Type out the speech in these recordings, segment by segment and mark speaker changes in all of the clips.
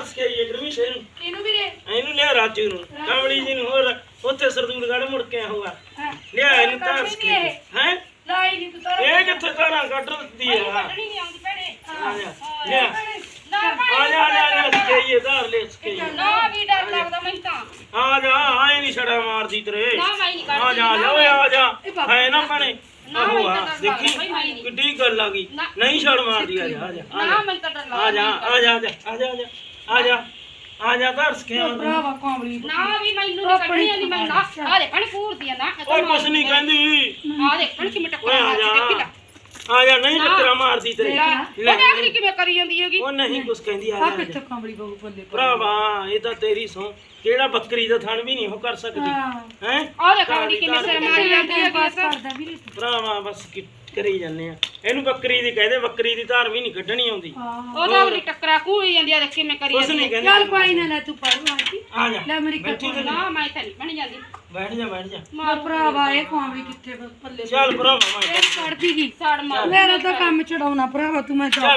Speaker 1: ਧਰਸ ਕੇ ਆਈਏ ਗਰਮੀ ਸੇ ਨੂੰ
Speaker 2: ਇਹਨੂੰ ਵੀਰੇ
Speaker 1: ਇਹਨੂੰ ਲਿਆ ਰਾਜੂ ਨੂੰ ਕਮਲੀ ਜੀ ਨੂੰ ਹੋਰ ਉੱਥੇ ਸਰਦੂਲਗੜ੍ਹ ਮੁੜ ਕੇ ਆਊਗਾ ਲਿਆ ਇਹਨੂੰ ਧਰਸ ਕੇ ਹੈ
Speaker 2: ਲਾਈ ਨਹੀਂ ਤੂੰ ਤਾਂ
Speaker 1: ਇਹ ਕਿੱਥੇ ਤਾਰਾਂ ਕੱਢ ਦਿੱਤੀ ਆ
Speaker 2: ਕੱਢਣੀ ਨਹੀਂ ਆਉਂਦੀ ਭੈਣੇ
Speaker 1: ਆ ਜਾ ਲਿਆ
Speaker 2: ਨਾ
Speaker 1: ਆ ਜਾ ਸਕਈਏ ਧਾਰ ਲੈ ਸਕਈਏ
Speaker 2: ਨਾ ਵੀ ਡਰ ਲੱਗਦਾ ਮੈਨੂੰ ਤਾਂ
Speaker 1: ਆ ਜਾ ਆਏ ਨਹੀਂ ਛੜਾ ਮਾਰਦੀ ਤੇਰੇ
Speaker 2: ਨਾ ਮੈਂ ਨਹੀਂ
Speaker 1: ਆ
Speaker 2: ਕੱਢਦੀ
Speaker 1: ਜਾ ਓਏ ਆ ਜਾ ਹੈ ਨਾ ਭਣੇ ਆਹੋ ਆ ਦੇਖੀ
Speaker 2: ਨਹੀਂ
Speaker 1: ਕਿੱਡੀ ਗੱਲ ਆ ਗਈ ਨਹੀਂ ਛੜ ਮਾਰਦੀ ਆ ਜਾ
Speaker 2: ਨਾ ਮੈਨੂੰ ਤਾਂ ਡਰ ਲੱਗਦਾ
Speaker 1: ਆ ਜਾ ਆ ਜਾ ਆ ਜਾ ਆ ਜਾ ਆ ਜਾ ਧਰਸ ਕੇ
Speaker 3: ਭਰਾਵਾ ਕਾਮਲੀ
Speaker 2: ਨਾ ਵੀ ਮੈਨੂੰ ਨਹੀਂ ਕੱਢਣੀ ਆਉਂਦੀ ਮੈਂ ਨਾ ਆ ਦੇ ਪਾਣੀ ਪੂਰਦੀ ਆ ਨਾ
Speaker 1: ਓਏ ਕੁਛ ਨਹੀਂ ਕਹਿੰਦੀ
Speaker 2: ਆ ਦੇ ਪਾਣੀ ਕਿਵੇਂ
Speaker 1: ਓਏ
Speaker 2: ਟੱਕਰ
Speaker 1: ਆ
Speaker 2: ਮਾਰਦੀ ਦੇਖੀ
Speaker 1: ਜਾ
Speaker 2: ਲੈ
Speaker 1: ਆ ਜਾ ਨਹੀਂ ਟੱਕਰਾਂ ਮਾਰਦੀ ਤੇਰੇ
Speaker 2: ਉਹ ਦੇਖਦੀ ਕਿਵੇਂ ਕਰੀ ਜਾਂਦੀ ਹੈਗੀ
Speaker 1: ਉਹ ਨਹੀਂ ਕੁਛ ਕਹਿੰਦੀ ਆ
Speaker 3: ਆ
Speaker 1: ਜਾ
Speaker 3: ਕਿੱਥੇ ਕਾਮਲੀ ਬਹੂ ਬੱਲੇ
Speaker 1: ਭਰਾਵਾ ਇਹ ਤਾਂ ਤੇਰੀ ਸੌ ਕਿਹੜਾ ਬੱਕਰੀ ਦਾ ਥਣ ਵੀ ਨਹੀਂ ਉਹ ਕਰ ਸਕਦੀ ਹੈ
Speaker 2: ਆ ਦੇ ਕਾਲੀ ਕਿਵੇਂ ਸਿਰ ਮਾਰੀ ਜਾਂਦੀ ਹੈਗੀ
Speaker 3: ਬਸ ਕਰਦਾ ਵੀਰੇ
Speaker 1: ਭਰਾਵਾ ਬਸ ਕਰੀ ਜਾਂਦੇ ਆ ਇਹਨੂੰ ਬੱਕਰੀ ਦੀ ਕਹਦੇ ਬੱਕਰੀ ਦੀ ਧਾਰ ਵੀ ਨਹੀਂ ਕੱਢਣੀ ਆਉਂਦੀ
Speaker 2: ਉਹ ਤਾਂ ਉਹਦੀ ਟੱਕਰਾ ਕੂਈ ਜਾਂਦੀ ਆ ਦੇਖ ਕਿਵੇਂ ਕਰੀ
Speaker 1: ਕੁਛ
Speaker 2: ਜਾਂਦੀ
Speaker 1: ਨਹੀਂ ਕਹਿੰਦੀ
Speaker 3: ਚੱਲ ਕੋਈ ਨਾ ਲੈ ਤੂੰ ਪੜ ਆਂਟੀ
Speaker 1: ਆ ਜਾ
Speaker 3: ਲੈ ਮੇਰੀ
Speaker 1: ਬੈਠੀ ਤੇ
Speaker 2: ਨਾ ਮੈਂ ਤਾਂ ਨਹੀਂ ਬਣ ਜਾਂਦੀ
Speaker 1: ਬੈਠ ਜਾ
Speaker 3: ਮਾਂ ਭਰਾਵਾ ਇਹ ਕਾਮਲੀ ਕਿੱਥੇ ਪੱਲੇ
Speaker 1: ਚੱਲ ਭਰਾਵਾ ਮੈਂ
Speaker 3: ਪੜਦੀ ਗਈ
Speaker 2: ਸਾੜ ਮਾਰ
Speaker 3: ਮੇਰਾ ਤਾਂ ਕੰਮ ਛਡਾਉਣਾ ਭਰਾਵਾ ਤੂੰ ਮੈਂ ਜਾ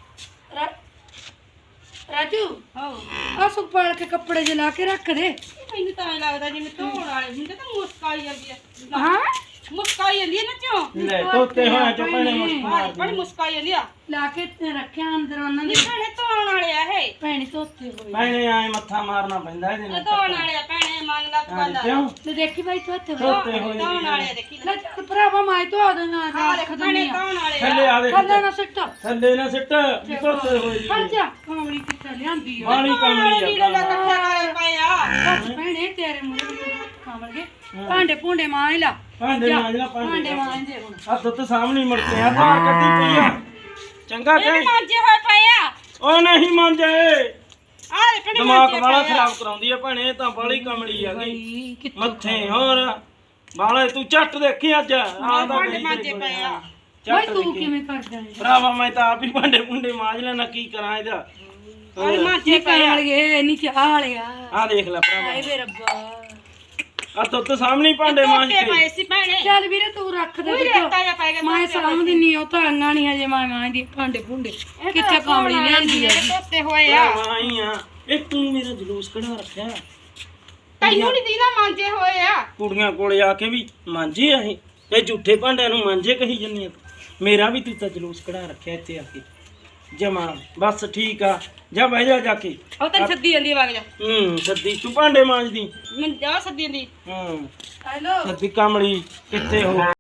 Speaker 3: ਰਾਜੂ
Speaker 2: ਹੋ
Speaker 3: ਆ ਸੁਪਾਲ ਕੇ ਕੱਪੜੇ ਜਿ ਕੇ ਰੱਖ ਦੇ
Speaker 2: ਮੈਨੂੰ ਤਾਂ ਐਂ ਲੱਗਦਾ ਜਿਵੇਂ ਧੋਣ ਵਾਲੇ ਹੁੰਦੇ ਤਾਂ ਮੁਸਕਾਈ ਜਾਂਦੀ ਆ
Speaker 3: ਹਾਂ
Speaker 2: ਮੁਸਕਾਈ ਜਾਂਦੀ ਆ ਨਾ ਚੋਂ
Speaker 1: ਲੈ ਤੋਤੇ ਹੋਇਆ ਚਪਣੇ ਮੁਸਕਰਾ
Speaker 2: ਬੜੀ ਮੁਸਕਾਈ ਜਾਂਦੀ ਆ
Speaker 3: ਲਾ ਕੇ ਤੇ ਰੱਖਿਆ ਅੰਦਰ ਉਹਨਾਂ ਦੇ
Speaker 2: ਭੈਣੇ ਧੋਣ ਵਾਲੇ ਆ ਇਹ
Speaker 3: ਭੈਣੀ ਧੋਤੇ ਹੋਏ
Speaker 1: ਮੈਨੇ ਆਏ ਮੱਥਾ ਮਾਰਨਾ ਪੈਂਦਾ ਇਹਦੇ
Speaker 2: ਇਹ
Speaker 1: ਨਾਲ
Speaker 2: ਧੋਣ ਵਾਲੇ ਆ ਭੈਣੇ ਮੰਗ ਲਾ ਤੂੰ ਬੰਦਾ
Speaker 1: ਕਿਉਂ
Speaker 3: ਤੇ ਦੇਖੀ ਬਾਈ ਧੋਤੇ ਹੋਏ
Speaker 1: ਤੋਤੇ ਹੋਏ
Speaker 2: ਧੋਣ ਵਾਲੇ ਆ ਦੇਖੀ
Speaker 3: ਲੈ ਚੱਲ ਭਰਾਵਾ ਮੈਂ ਧੋ ਦੇਣਾ
Speaker 2: ਆ
Speaker 3: ਰੱਖ
Speaker 2: ਦੇਖ ਭੈਣੇ
Speaker 3: ਦਿੰਦੀ ਆ
Speaker 2: ਧੋਣ ਵਾਲੇ
Speaker 1: ਥੱਲੇ
Speaker 2: ਆ
Speaker 1: ਆ ਦੇ
Speaker 3: ਥੱਲੇ ਨਾ ਸਿੱਟ
Speaker 1: ਥੱਲੇ ਨਾ ਸਿੱਟ ਤੋਤੇ ਹੋਏ
Speaker 3: ਹਟ ਜਾ ਕਾਮਲੀ ਕਿੱਥੇ ਲਿਆਂਦੀ ਆ
Speaker 1: ਬਾਣੀ ਕਮਲੀ
Speaker 2: ਲੀੜੇ ਦਾ
Speaker 1: ਆ
Speaker 2: ਇਕੱਠਾ ਕਰੇ ਪਏ ਆ
Speaker 3: ਬਸ ਭੈਣੇ ਤੇਰੇ ਮੂਹਰੇ ਖਾਵਣਗੇ ਭਾਂਡੇ ਭੁੰਡੇ ਮਾਂ ਲਾ
Speaker 1: ਭਾਂਡੇ ਮਾਂਜਣਾ
Speaker 3: ਭਾਂਡੇ
Speaker 1: ਭਾਂਡੇ
Speaker 3: ਮਾਂ ਦੇ ਹੁਣ
Speaker 1: ਆ ਦੁੱਧ ਸਾਹਮਣੇ ਮੁੜ ਕੇ ਆ ਧਾਰ ਕੱਢੀ ਪਈ ਆ ਚੰਗਾ
Speaker 2: ਇਹ
Speaker 1: ਤੇ
Speaker 2: ਮਾਂਜੇ ਹੋਏ ਪਏ ਆ
Speaker 1: ਉਹ ਨਹੀਂ ਮੰਜੇ
Speaker 2: ਆ ਦੇ ਭੈਣੇ
Speaker 1: ਦਿਮਾਗ
Speaker 2: ਮਾਂਜੇ
Speaker 1: ਵਾਲਾ
Speaker 2: ਪਏ ਆ
Speaker 1: ਖਰਾਬ ਕਰਾਉਂਦੀ ਆ ਭੈਣੇ ਇਹ ਤਾਂ ਬਾਲੀ ਕਮਲੀ ਆ ਗਈ
Speaker 3: ਬਈ ਕਿੱਥੇ
Speaker 1: ਮੱਥੇ ਹੋਰ ਬਾਲੇ ਤੂੰ ਚੱਟ ਦੇਖੀ ਅੱਜ ਆ ਤਾਂ
Speaker 2: ਭਾਂਡੇ ਮਾਂਜੇ ਪਏ ਆ
Speaker 3: ਬਈ ਤੂੰ ਕਿਵੇਂ ਕਰਦਾ ਹੈ
Speaker 1: ਭਰਾਵਾ ਮੈਂ ਤਾਂ ਆਪ ਹੀ ਭਾਂਡੇ ਭੁੰਡੇ ਮਾਂਜ ਲੈਣਾ ਕੀ ਕਰਾਂ ਇਹਦਾ
Speaker 2: ਆ ਮਾਂਜੇ ਪਏ ਆ
Speaker 3: ਵਾਲੀਏ ਨੀਚੇ ਆ ਵਾਲਿਆ
Speaker 1: ਆ ਦੇਖ ਲੈ ਭਰਾਵਾ
Speaker 3: ਹਾਏ ਵੇ ਰੱਬਾ
Speaker 1: ਆ ਦੁੱਧ ਸਾਹਮਣੇ ਹੀ ਭਾਂਡੇ ਮਾਂਜ
Speaker 2: ਧੋਤੇ
Speaker 1: ਕੇ
Speaker 2: ਪਏ ਸੀ ਭੈਣੇ
Speaker 3: ਚੱਲ ਵੀਰੇ ਤੂੰ ਰੱਖ ਦੇ
Speaker 2: ਕੋਈ
Speaker 3: ਵਿੱਚੋਂ।
Speaker 2: ਰੇਤਾ ਜਿਹਾ ਪੈ ਗਿਆ
Speaker 3: ਮੈਂ ਸਾਂਭਦੀ ਨਹੀਂ ਉਹ ਤਾਂ ਅੰਗਾ ਨਹੀਂ ਹਜੇ ਮੈਂ ਦੀ ਭਾਂਡੇ ਭੁੰਡੇ ਕਿੱਥੇ ਕਾਮਲੀ ਲਿਆਂਦੀ ਆ
Speaker 2: ਧੋਤੇ ਹੋਏ ਆ
Speaker 1: ਆਈ ਆ ਇਹ ਤੂੰ ਮੇਰਾ ਜਲੂਸ ਕਢਾ ਰੱਖਿਆ
Speaker 2: ਤੈਨੂੰ ਨਹੀਂ ਦੀਦਾ ਮਾਂਜੇ ਹੋਏ ਆ
Speaker 1: ਕੁੜੀਆਂ ਕੋਲੇ ਆ ਕੇ ਵੀ ਮਾਂਜੇ ਆ ਇਹ ਝੂਠੇ ਭਾਂਡਿਆਂ ਨੂੰ ਮਾਂਜੇ ਕਹੀ ਜੰਨੀ ਮੇਰਾ ਵੀ ਤੂੰ ਤਾਂ ਜਲੂਸ ਕਢਾ ਰੱਖਿਆ ਇੱਥੇ ਆ ਕੇ ਜਮਾ ਬਸ ਠੀਕ ਆ ਜਾ ਬਹਿ ਜਾ ਕੇ
Speaker 2: ਉਹ ਤਾਂ ਸੱਦੀ ਜਾਂਦੀ ਵਗ ਜਾ
Speaker 1: ਸੱਦੀ ਤੂੰ ਭਾਂਡੇ ਮਾਂਜਦੀ
Speaker 2: ਮੈਂ ਜਾ ਸੱਦੀ ਜਾਂਦੀ
Speaker 1: ਹੂੰ
Speaker 3: ਹੈਲੋ
Speaker 1: ਸੱਦੀ ਕਮਲੀ ਕਿੱਥੇ ਹੋ